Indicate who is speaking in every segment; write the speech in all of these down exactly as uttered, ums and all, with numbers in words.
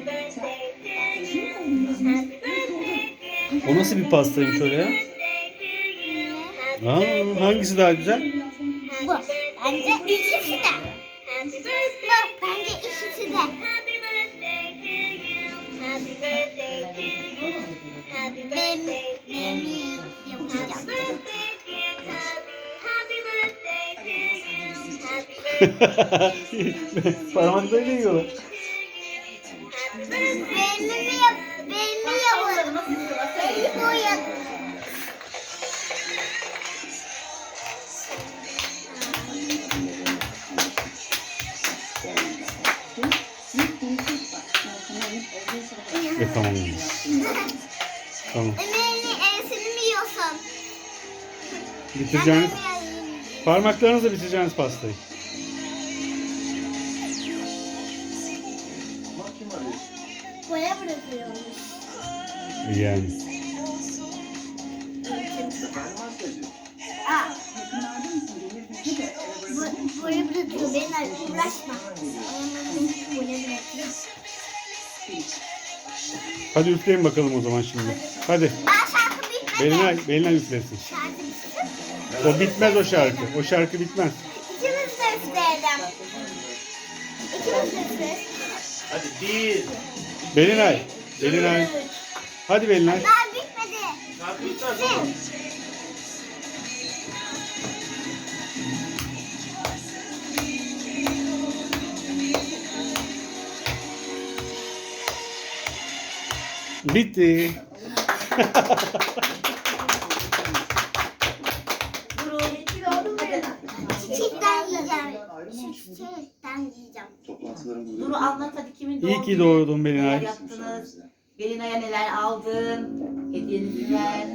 Speaker 1: O nasıl bir pastaymış öyle ya? Aa, hangisi daha güzel?
Speaker 2: Bu. Bence ikisi de. Bu. Bence ikisi de. Ben, ben yapacağım.
Speaker 1: Parmaklarıyla yiyorlar.
Speaker 2: Benim yap, benim yapalım. Bu yap.
Speaker 1: E tamam. Tamam.
Speaker 2: Emeğini ensini mi yiyorsun?
Speaker 1: Bitireceğiniz, parmaklarınızla bitireceğiniz pastayı.
Speaker 2: Boya bırakıyormuş.
Speaker 1: Yani.
Speaker 2: Aa. Bu, boya bırakıyor. Benimle uğraşma. Boya bırakıyor.
Speaker 1: Hadi üfleyin bakalım o zaman şimdi. Hadi.
Speaker 2: Aa, şarkı bitmedi.
Speaker 1: Belinay, Belinay üflesin.
Speaker 2: Şarkı bitmedi.
Speaker 1: O bitmez o şarkı. O şarkı bitmez.
Speaker 2: İkimiz de üfleyelim. İkimiz de üfleyelim.
Speaker 3: Hadi bir.
Speaker 1: Belinay. Belinay. Hadi Belinay.
Speaker 2: Daha bitmedi.
Speaker 3: Şarkı biter sonra.
Speaker 1: Bitti.
Speaker 2: Çiçekten yiyeceğim. Şu çiçekten yiyeceğim.
Speaker 4: Duru anlat hadi kimin doğum
Speaker 1: İyi ki
Speaker 4: günü?
Speaker 1: doğdun
Speaker 4: Neler
Speaker 1: Belinay.
Speaker 4: yaptınız? Belinay'a neler aldın? Hediyenizi ver.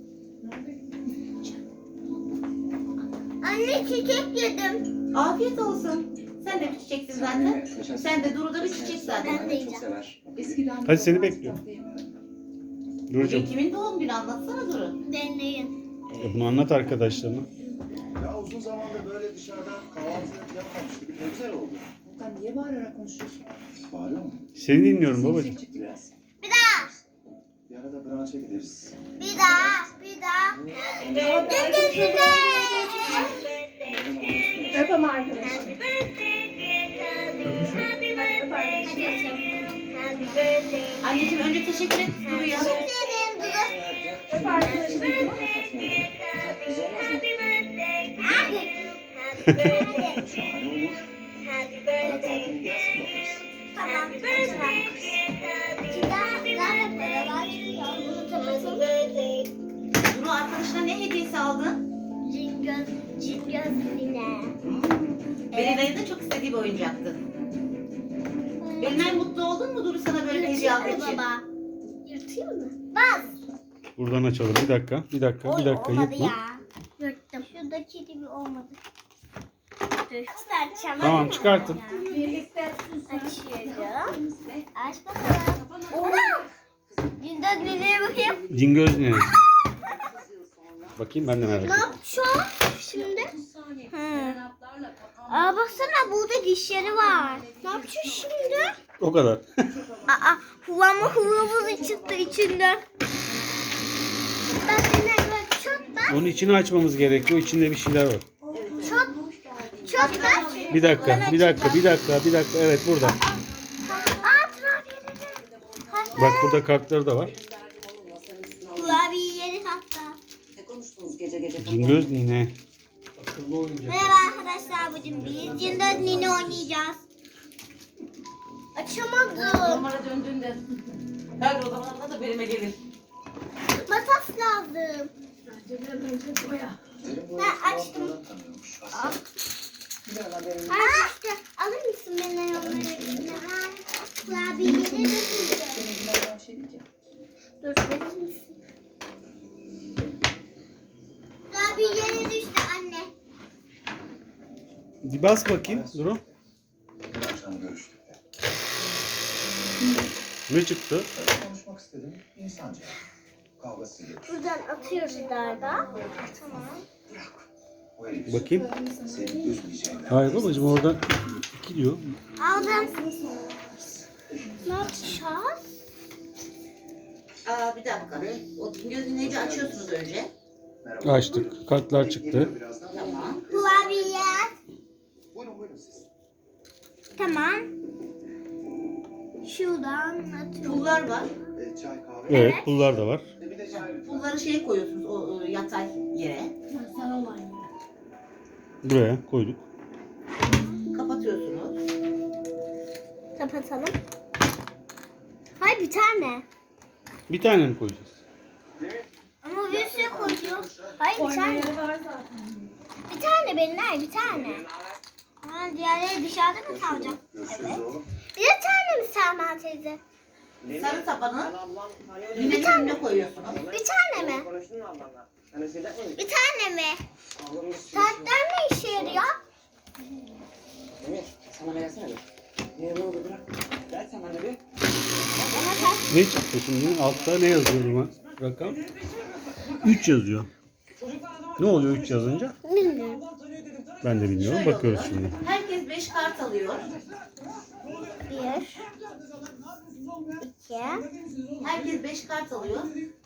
Speaker 2: Anne çiçek yedim.
Speaker 4: Afiyet olsun. Sen de bir çiçeksin zaten. Sen de Duru da bir çiçek zaten.
Speaker 2: Ben de yiyeceğim.
Speaker 1: Hadi seni bekliyorum.
Speaker 4: Bugün
Speaker 1: Durucum.
Speaker 4: kimin doğum günü anlatsana Duru.
Speaker 2: Ben de yiyeyim.
Speaker 1: E bunu anlat arkadaşlarına.
Speaker 5: Ya uzun zamandır böyle dışarıda kahvaltı yapmamıştık. Ne güzel oldu.
Speaker 6: Volkan niye bağırarak konuşuyorsun?
Speaker 5: Bağırıyor mu?
Speaker 1: Seni dinliyorum babacığım.
Speaker 6: Yüksek çıktı biraz.
Speaker 2: Bir daha.
Speaker 5: Bir arada branşa gideriz.
Speaker 2: Bir daha. Bir daha. Dün gözüne.
Speaker 6: Öp ama arkadaşlar.
Speaker 4: Anneciğim önce teşekkür et Duru'ya.
Speaker 2: Senin Dudu.
Speaker 6: Öp arkadaşlar.
Speaker 5: Şahane olur. Ara tatilini gelsin bakarız.
Speaker 2: Tamam. Bir daha. Bir daha beraber çıkıyor. Bunu kapatalım.
Speaker 4: Duru arkadaşına ne hediyesi aldın?
Speaker 2: Cingöz. Cingöz bile.
Speaker 4: Belinay'ın da çok istediği bir oyuncaktı. Belinay mutlu oldun mu Duru sana böyle bir hediye aldığı için?
Speaker 2: Baba. Yırtayım mı? Bas.
Speaker 1: Buradan açalım. Bir dakika. Bir dakika. Bir dakika.
Speaker 2: Olmadı
Speaker 1: Yırtma.
Speaker 2: ya. Yırttım. Şuradaki gibi olmadı. Dur. Çıkartacağım.
Speaker 1: Tamam,
Speaker 2: Hadi.
Speaker 1: çıkartın.
Speaker 2: Birlikte açıyorum. Aç bakalım. Oha! Cingöz nereye bakayım?
Speaker 1: Cingöz ne? Bakayım ben de merak
Speaker 2: Ne
Speaker 1: ettim.
Speaker 2: yapacağım şimdi? Hı. Aa baksana burada dişleri var. Ne yapacağız şimdi?
Speaker 1: O kadar.
Speaker 2: Aa huvama huvamız çıktı içinden. Bak yine bak çok bak.
Speaker 1: Onun içini açmamız gerekiyor. İçinde bir şeyler var.
Speaker 2: Çok çok bak.
Speaker 1: Bir dakika. Bir dakika. Bir dakika. Bir dakika. Evet burada.
Speaker 2: Aa kurabiyeleri.
Speaker 1: Bak burada kartları da var.
Speaker 2: Kurabiyeleri hatta.
Speaker 6: Ne konuştunuz gece gece?
Speaker 1: Cingöz nine.
Speaker 2: Merhaba arkadaşlar bugün biz Cingöz Nini oynayacağız. Açamadım.
Speaker 4: Numara döndüğünde her o zaman da benime gelir.
Speaker 2: Makas lazım.
Speaker 5: Derin bu
Speaker 2: Ben açtım.
Speaker 5: oradan tanıyormuş.
Speaker 2: Al. Ha işte alır mısın beni onları? Ha, kurabiyeleri de
Speaker 6: Bunlardan bir şey diyeceğim.
Speaker 2: dur verir misin? Kurabiyeleri düştü anne.
Speaker 1: Bir bas bakayım. Duru.
Speaker 5: Dün akşam görüştük de.
Speaker 1: Ne çıktı?
Speaker 5: Öyle konuşmak istedim. İnsanca. Kavgası yok.
Speaker 2: Buradan atıyoruz galiba. Tamam.
Speaker 5: O herif
Speaker 1: Bakayım.
Speaker 5: seni üzmeyeceğinden.
Speaker 1: Hayır babacığım orada iki diyor.
Speaker 2: Aldım. Ne yapacağız?
Speaker 4: Aa bir dakika. O gözünü açıyorsunuz önce.
Speaker 5: Merhaba.
Speaker 1: Açtık. Kartlar çıktı.
Speaker 5: Geliyor birazdan.
Speaker 4: Tamam.
Speaker 2: Kurabiye.
Speaker 5: Buyurun buyurun siz.
Speaker 2: Tamam. Şuradan atıyorum.
Speaker 4: Pullar var.
Speaker 5: E, çay kahve.
Speaker 1: Evet, pullar da var.
Speaker 5: E, bir de çay lütfen.
Speaker 4: Pulları şeye koyuyorsunuz o, o yatay yere.
Speaker 1: Buraya koyduk.
Speaker 4: Kapatıyorsunuz.
Speaker 2: Kapatalım. Hayır bir tane.
Speaker 1: Bir tane mi koyacağız?
Speaker 2: Ama bir sürü koyuyor. Hayır bir
Speaker 6: Oyma
Speaker 2: tane.
Speaker 6: yeri var zaten.
Speaker 2: Bir tane benimler bir tane. Ha, diğerleri dışarıda mı kalacak?
Speaker 5: Görüşürüz oğlum.
Speaker 2: Bir tane mi Selma teyze?
Speaker 4: Sarı tabanı yine önüne koyuyorsunuz.
Speaker 2: Bir tane mi? Bir tane mi? Saatler ne işe yarıyor?
Speaker 7: Emir, sana versene bir. Niye böyle bırak? Ver sen bana bir.
Speaker 2: Bana kaç?
Speaker 1: Ne çıktı şimdi? Altta ne yazıyor buna? Rakam? üç yazıyor. Ne oluyor üç yazınca?
Speaker 2: Bilmiyorum.
Speaker 1: Ben de bilmiyorum.
Speaker 4: Şöyle
Speaker 1: Bakıyoruz
Speaker 4: oluyor.
Speaker 1: şimdi.
Speaker 4: Herkes beş kart alıyor.
Speaker 2: Bir. İki.
Speaker 4: Herkes beş kart alıyor.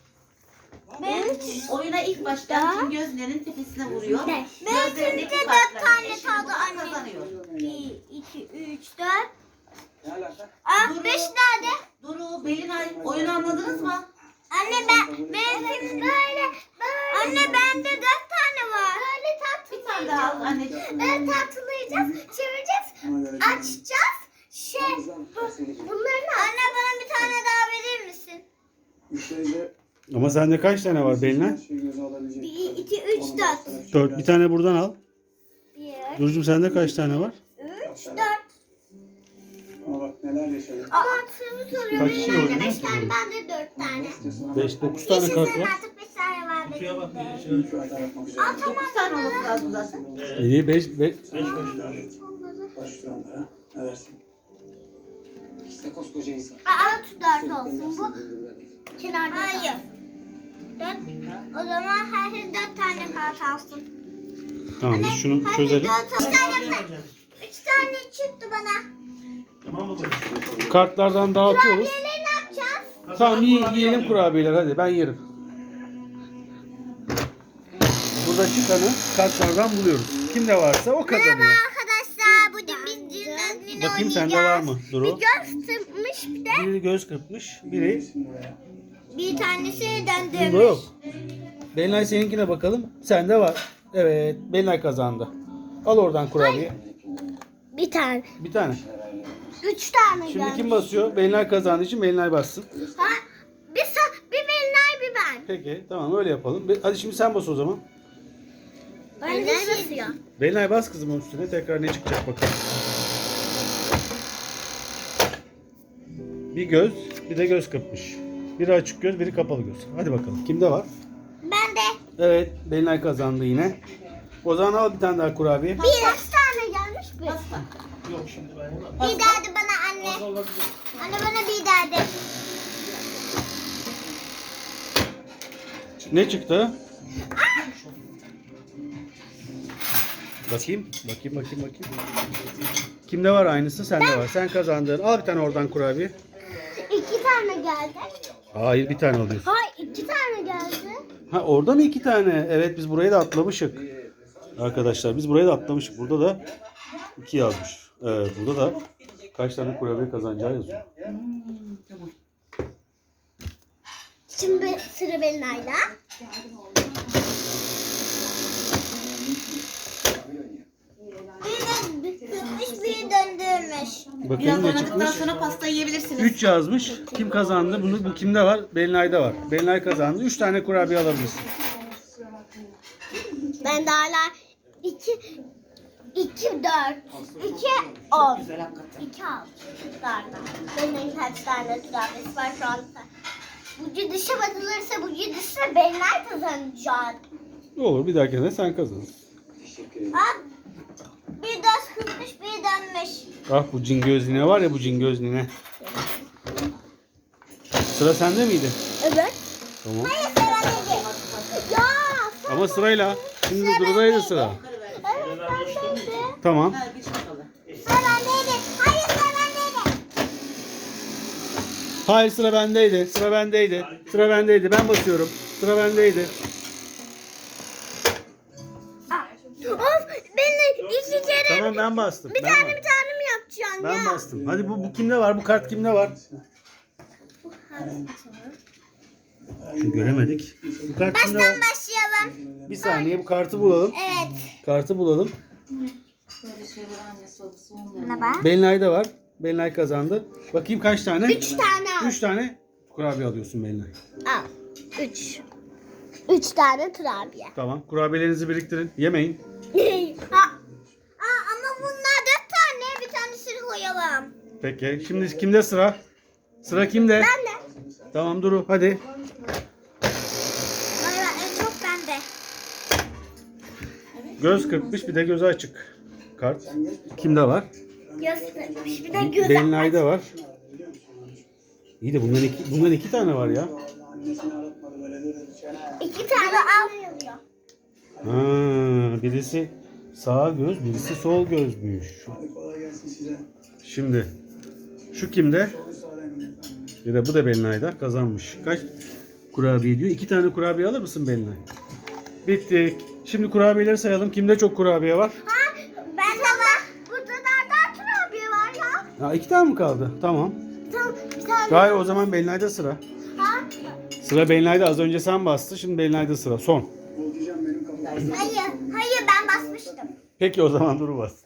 Speaker 2: Üç.
Speaker 4: Oyuna ilk başta kim gözlerinin tepesine vuruyor.
Speaker 2: Beş.
Speaker 4: Gözlerindeki
Speaker 2: Beşinci
Speaker 4: kartların
Speaker 2: dört tane
Speaker 4: eşi
Speaker 2: kaldı
Speaker 4: bulan
Speaker 2: anne.
Speaker 4: kazanıyor.
Speaker 2: Bir, iki, üç, dört.
Speaker 7: Ne alaka?
Speaker 2: Aa, beş nerede?
Speaker 4: Duru, Belinay oyunu anladınız mı?
Speaker 2: Anne ben, benim böyle, böyle. Anne bende dört tane var. Böyle
Speaker 4: Bir tane daha al anneciğim.
Speaker 2: Böyle tatlılayacağız, çevireceğiz, açacağız. Şey, bu, bunların anne bana bir tane daha verir misin?
Speaker 5: Müşteriyle
Speaker 1: Ama sende kaç tane var Belinay?
Speaker 5: şey göze alabilecek.
Speaker 2: Bir, iki, üç, dört.
Speaker 1: dört. Bir tane buradan al.
Speaker 2: Bir,
Speaker 1: Durcum sende kaç tane var?
Speaker 2: üç, dört.
Speaker 5: Ama bak neler yaşadık.
Speaker 2: Aa, aklımı soruyor.
Speaker 1: Kaç kişi
Speaker 2: Benim
Speaker 1: oynuyor?
Speaker 2: beş tane, bende dört tane.
Speaker 1: beş, dokuz tane kart
Speaker 2: Yaşasın
Speaker 1: var.
Speaker 2: artık beş tane var benim de.
Speaker 5: Şu hata yapmak üzere.
Speaker 2: Aa, tamam.
Speaker 4: Dokuz tane olması lazım zaten.
Speaker 1: İyi beş, beş.
Speaker 5: Başlıyorum da. Ne dersin?
Speaker 7: İşte koskoca insan.
Speaker 2: Aa, dört olsun bu. Kenarda hayır. Dört. O zaman herkes dört tane kart alsın.
Speaker 1: Tamam biz şunu
Speaker 2: Herkes
Speaker 1: çözelim.
Speaker 2: dört alsın. Üç tane, üç tane çıktı bana.
Speaker 3: Tamam mı?
Speaker 1: Kartlardan dağıtıyoruz.
Speaker 2: Diğerleri ne yapacağız?
Speaker 1: Tamam iyi, yiyelim kurabiyeler hadi ben yerim. Burada çıkanı kartlardan buluyoruz. Kimde varsa o kazanıyor.
Speaker 2: Arkadaşlar bugün biz cümlenin
Speaker 1: Bakayım sende var mı
Speaker 2: Bir
Speaker 1: Duru?
Speaker 2: göz tırpmış bir de
Speaker 1: Biri göz kırpmış, biri
Speaker 2: bir tanesi
Speaker 1: bunda
Speaker 2: döndürmüş.
Speaker 1: yok. Belinay seninkine bakalım. Sende var. Evet, Belinay kazandı. Al oradan kurabiye.
Speaker 2: Bir tane.
Speaker 1: Bir tane.
Speaker 2: Üç tane
Speaker 1: Şimdi
Speaker 2: gelmiş.
Speaker 1: kim basıyor? Belinay kazandığı için Belinay bassın.
Speaker 2: Ha, bir, sa- bir Belinay bir ben.
Speaker 1: Peki, tamam öyle yapalım. Be- Hadi şimdi sen bas o zaman.
Speaker 2: Belinay basıyor.
Speaker 1: Belinay bas kızım onun üstüne. Tekrar ne çıkacak bakalım. Bir göz, bir de göz kırpmış. Biri açık göz, biri kapalı göz. Hadi bakalım. Kimde var?
Speaker 2: Ben de.
Speaker 1: Evet, Belinay kazandı yine. O zaman al bir tane daha kurabiye.
Speaker 2: Bir kaç tane gelmiş bir.
Speaker 4: Pasta.
Speaker 3: Yok şimdi ben ona.
Speaker 2: Bir derdi bana anne. Anne bana bir derdi.
Speaker 1: Ne çıktı? Bakayım, bakayım, bakayım, bakayım. Kimde var aynısı? Sende var. Sen kazandın. Al bir tane oradan kurabiye.
Speaker 2: İki tane geldi.
Speaker 1: Hayır, bir tane alıyorsun.
Speaker 2: Hayır iki tane geldi.
Speaker 1: Ha orada mı iki tane? Evet biz burayı da atlamışık. Arkadaşlar biz burayı da atlamışık. Burada da iki yazmış. Evet burada da kaç tane kurabiye kazanacağı yazıyor.
Speaker 2: Şimdi sıra Belinay'da. Bir de kırmış bir döndürmüş.
Speaker 1: Bakayım
Speaker 4: Biraz
Speaker 1: ne
Speaker 4: oynadıktan
Speaker 1: çıkmış.
Speaker 4: sonra pastayı yiyebilirsiniz.
Speaker 1: üç yazmış. Kim kazandı? Bunu bu kimde var? Belinay'da var. Belinay kazandı. üç tane kurabiye alabilirsin.
Speaker 2: Ben de hala iki, iki, dört, iki, on.
Speaker 4: Güzel hakikaten.
Speaker 2: İki altı. Darda. Benim kaç tane kurabiyesi var şu anda. Bu dışa batılırsa bu dışa Belinay kazanacak.
Speaker 1: Olur bir dahakine sen kazanırsın.
Speaker 7: Teşekkür ederim.
Speaker 2: Ha, bir dört kırmış bir dönmüş.
Speaker 1: Ah bu cin gözlüğüne var ya bu cin gözlüğüne. Sıra sende miydi?
Speaker 2: Evet.
Speaker 1: Tamam.
Speaker 2: Hayır sıra dedi. Ya.
Speaker 1: Ama sırayla. Şimdi Duru'daydı sıra.
Speaker 2: Evet ben dedi.
Speaker 1: Tamam.
Speaker 4: Ha, bir çakalı.
Speaker 2: Sıra bendeydi. Hayır sıra bendeydi.
Speaker 1: Hayır, sıra bendeydi. Sıra bendeydi. Sıra bendeydi. Ben basıyorum. Sıra bendeydi.
Speaker 2: Of beni iki kere
Speaker 1: Tamam, ben bastım.
Speaker 2: bir
Speaker 1: Ben
Speaker 2: tane
Speaker 1: bastım.
Speaker 2: bir tane mi yapacaksın
Speaker 1: Ben
Speaker 2: ya?
Speaker 1: bastım. Hadi bu, bu kimde var? Bu kart kimde var? Şu göremedik. Bu kart kimde var?
Speaker 2: Baştan başlayalım.
Speaker 1: Bir saniye bu kartı bulalım.
Speaker 2: Evet.
Speaker 1: Kartı bulalım.
Speaker 4: Böyle şeyler annesi babası olmuyor.
Speaker 2: Ne bak?
Speaker 1: Belinay da var. Belinay kazandı. Bakayım kaç tane?
Speaker 2: Üç tane al.
Speaker 1: Üç tane kurabiye alıyorsun Belinay.
Speaker 2: Al. Üç. Üç tane kurabiye.
Speaker 1: Tamam. Kurabiyelerinizi biriktirin. Yemeyin.
Speaker 2: ha. Aa, ama bunlar dört tane. Bir tanesini koyalım.
Speaker 1: Peki. Şimdi kimde sıra? Sıra kimde?
Speaker 2: Ben de.
Speaker 1: Tamam Duru hadi.
Speaker 2: Ay, ben- en çok bende.
Speaker 1: Göz kırpmış, bir de gözü açık. Kart. Kimde var?
Speaker 2: Göstermiş. Bir de göz
Speaker 1: Belinay'da var. İyi de bundan iki, bundan iki tane var ya.
Speaker 2: İki tane al.
Speaker 1: Ha, birisi sağ göz, birisi sol gözmüş. Şimdi şu kimde? Ya da bu da Belinay'da kazanmış. Kaç kurabiye diyor? İki tane kurabiye alır mısın Belinay? Bittik. Şimdi kurabiyeleri sayalım. Kimde çok kurabiye var?
Speaker 2: Ha, ben de var. Burada nereden kurabiye var ya?
Speaker 1: Ha, iki tane mi kaldı? Tamam.
Speaker 2: Tamam. Bir tane.
Speaker 1: Hayır, o zaman Belinay'da sıra.
Speaker 2: Ha?
Speaker 1: Sıra Belinay'da, az önce sen bastı. Şimdi Belinay'da sıra. Son.
Speaker 2: Hayır. Hayır ben basmıştım.
Speaker 1: Peki o zaman Duru bas.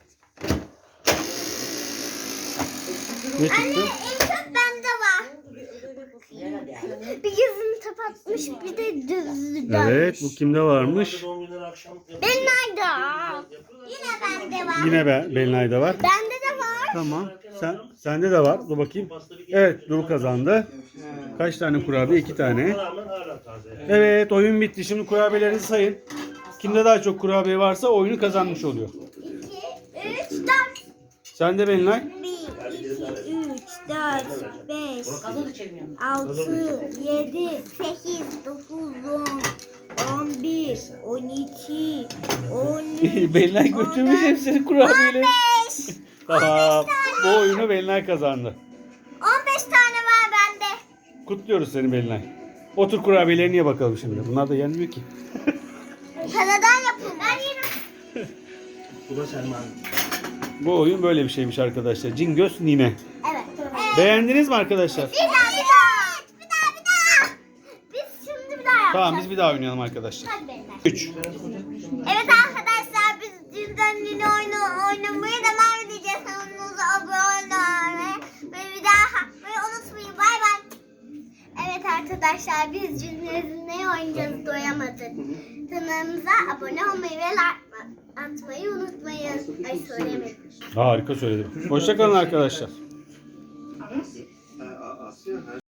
Speaker 1: Ne
Speaker 2: Anne
Speaker 1: çıktı?
Speaker 2: en çok bende var. Bir gözünü kapatmış bir de düz dönmüş.
Speaker 1: Evet, bu kimde varmış?
Speaker 3: Doğum günleri akşam
Speaker 2: Ben nerede? Yine bende var.
Speaker 1: Yine be, Belinay'da var.
Speaker 2: Bende de var.
Speaker 1: Tamam. Sen sende de var. Dur bakayım. Evet, Duru kazandı. Kaç tane kurabiye? İki tane.
Speaker 3: rağmen hala taze. Yani.
Speaker 1: Evet, oyun bitti. Şimdi kurabiyelerinizi sayın. Kimde daha çok kurabiye varsa oyunu kazanmış oluyor.
Speaker 2: İki, üç, dört.
Speaker 1: Sen de Belinay.
Speaker 2: Bir, iki, üç, dört, beş,
Speaker 4: Gazoz içemiyorum.
Speaker 2: altı, yedi, sekiz, dokuz, on, on bir, on iki, on üç,
Speaker 1: Belinay götürmüş hepsini kurabiyeleri.
Speaker 2: beş.
Speaker 1: Tamam. Bu oyunu Belinay kazandı.
Speaker 2: on beş tane var bende.
Speaker 1: Kutluyoruz seni Belinay. Otur kurabiyelerini ye bakalım şimdi. Bunlar da yenmiyor ki.
Speaker 2: Karadan yapın. Ben yerim.
Speaker 3: Bu da Selman.
Speaker 1: Bu oyun böyle bir şeymiş arkadaşlar. Cingöz Nine.
Speaker 2: Evet. evet.
Speaker 1: Beğendiniz mi arkadaşlar?
Speaker 2: Bir daha, bir daha. Bir daha, bir daha. Biz şimdi bir daha yapacağız.
Speaker 1: Tamam, biz bir daha oynayalım arkadaşlar.
Speaker 2: Hadi beyler.
Speaker 1: üç.
Speaker 2: Evet arkadaşlar biz dünden yine oyunu oynamaya devam edeceğiz. Kanalımıza abone olmayı ve bir daha yapmayı unutmayın. Bay bay. Evet arkadaşlar biz dünden ne oynayacağız doyamadık. Kanalımıza abone olmayı ve like atmayı unutmayın. Ay söylemedim.
Speaker 1: Harika söyledim. Hoşçakalın arkadaşlar.
Speaker 5: Asya